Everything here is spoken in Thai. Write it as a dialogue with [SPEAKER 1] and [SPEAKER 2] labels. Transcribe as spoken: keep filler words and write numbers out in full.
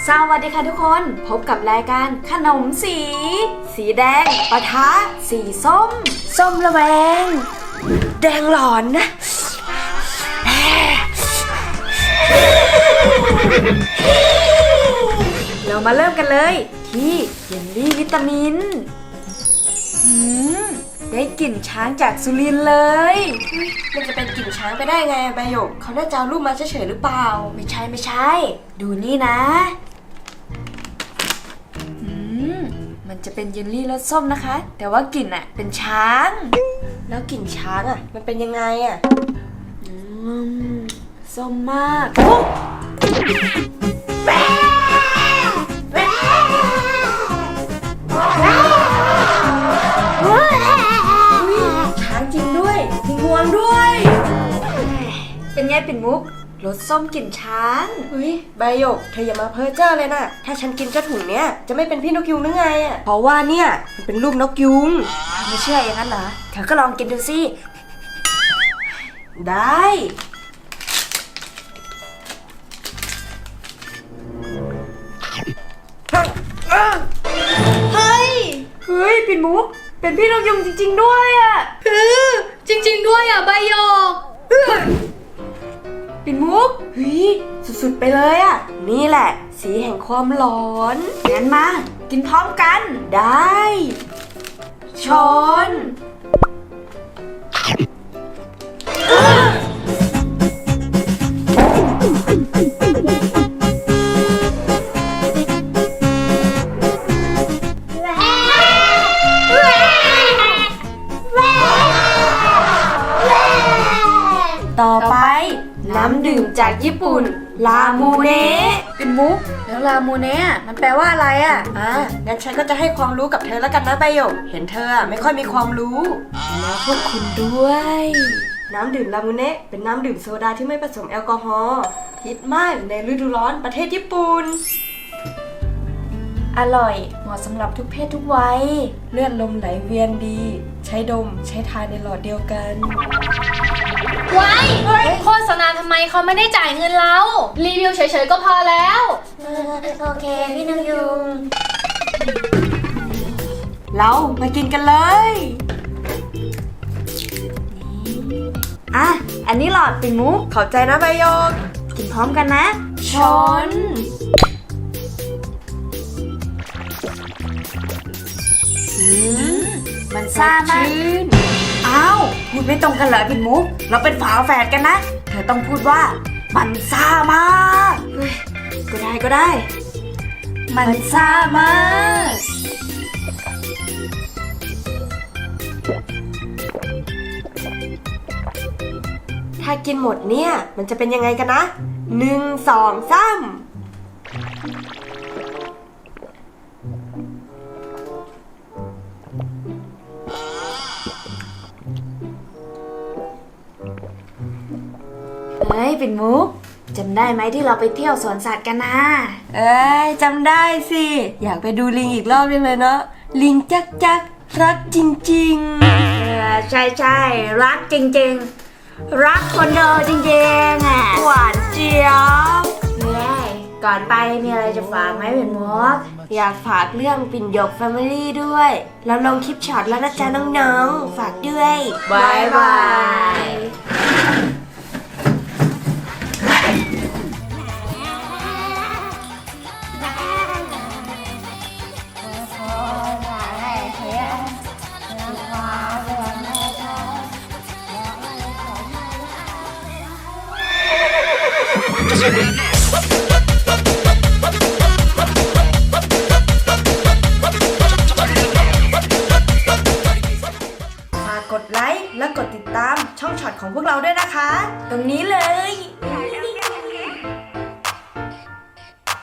[SPEAKER 1] สวัสดีค่ะทุกคนพบกับรายการขนมสีสีแดงปะทะสีส้มส้มระแวงแดงหลอนนะเรามาเริ่มกันเลยที่เยลลี่วิตามินอืมได้กลิ่นช้างจากสุรินทร์เลย
[SPEAKER 2] มันจะเป็นกลิ่นช้างไปได้ไงใบหยกเขาได้จะเอารูปมาเฉยๆหรือเปล่า
[SPEAKER 1] ไม่ใช่ไม่ใช่ดูนี่นะอืมมันจะเป็นเยลลี่รสส้มนะคะแต่ว่ากลิ่นอะเป็นช้าง
[SPEAKER 2] แล้วกลิ่นช้างอะมันเป็นยังไงอะ
[SPEAKER 1] อืมส้มมาก
[SPEAKER 2] ช้างจริงด้วยมีงวงด้วย
[SPEAKER 1] เป็นไงปิ่นมุกรสส้มกลิ่นช้าง
[SPEAKER 2] เฮ้ยใบหยกเธออย่ามาเพ้อเจ้อเลยนะถ้าฉันกินเจ้าถุงเนี้ยจะไม่เป็นพี่นกยุงหรือไงอะเพราะว่าเนี่ยมันเป็นรูปนกยุง
[SPEAKER 1] ไม่เชื่ออย่างนั้นเหรอเธอก็ลองกินดูสิ
[SPEAKER 2] ได้
[SPEAKER 1] เฮ้ยเฮ้ยปิ่นมุกเป็นพี่นกยุงจริงๆด้วยอ่ะ
[SPEAKER 2] เออจริงๆด้วยอ่ะใบหยก
[SPEAKER 1] ปิ่นมุก
[SPEAKER 2] เฮ้ยสุดๆไปเลยอ่ะนี่แหละสีแห่งความหลอน
[SPEAKER 1] งั้นมากินพร้อมกัน
[SPEAKER 2] ได้
[SPEAKER 1] ช้อน
[SPEAKER 2] ต่อไปน้ำดื่มจากญี่ปุ่นลามูเนะ
[SPEAKER 1] ปิ่นมุกแล้วลามูเนะมันแปลว่าอะไรอ่ะ
[SPEAKER 2] อ่างั้นฉันก็จะให้ความรู้กับเธอแล้วกันนะใบหยกเห็นเธอไม่ค่อยมีความรู้
[SPEAKER 1] แล้วพวกคุณด้วย
[SPEAKER 2] น้ำดื่มลามูเนะเป็นน้ำดื่มโซดาที่ไม่ผสมแอลกอฮอล์ฮิตมากในฤดูร้อนประเทศญี่ปุ่น
[SPEAKER 1] อร่อยเหมาะสำหรับทุกเพศทุกวัย
[SPEAKER 2] เลือดลมไหลเวียนดีใช้ดมใช้ทานในหลอดเดียวกัน
[SPEAKER 3] ไว้โฆษณาทำไมเขาไม่ได้จ่ายเงินเรารีวิวเฉยๆก็พอแล้ว
[SPEAKER 1] โอเคพี่นกยุง
[SPEAKER 2] เรามากินกันเลย
[SPEAKER 1] อ่ะอันนี้หลอดปิ่นมุก
[SPEAKER 2] ขอบใจนะใบหยก
[SPEAKER 1] กินพร้อมกันนะ
[SPEAKER 2] ช้อน
[SPEAKER 1] มันซ่ามากอ้าวพูดไม่ตรงกันเหรอปิ่นมุกเราเป็นฝาแฝดกันนะเธอต้องพูดว่ามันซ่ามาก
[SPEAKER 2] ก็ได้ก็ได้
[SPEAKER 1] มันซ่ามาก
[SPEAKER 2] ถ้ากินหมดเนี่ยมันจะเป็นยังไงกันนะหนึ่งสองสาม
[SPEAKER 1] เฮ้ยปิ่นมุกจำได้ไหมที่เราไปเที่ยวสวนสัตว์กันนะ
[SPEAKER 2] เอ้ยจำได้สิอยากไปดูลิงอีกรอบยังเลยเนาะลิงจักจักรักจริงๆ
[SPEAKER 1] เออใช่ใช่รักจริงๆรักคนเดียวจริงๆอ่ะ
[SPEAKER 2] หวานเจี๊ยบ
[SPEAKER 1] เนี่ยก่อนไปมีอะไรจะฝากไหมปิ่นมุก
[SPEAKER 2] อยากฝากเรื่องปิ่นหยกแฟมิลี่ด้วยแล้วลงคลิปช็อตแล้วนะจ๊ะน้องๆฝากด้วย
[SPEAKER 1] บายบาย
[SPEAKER 2] ฝากกดไลค์และกดติดตามช่องช็อตของพวกเราด้วยนะคะ
[SPEAKER 1] ตรงนี้เลย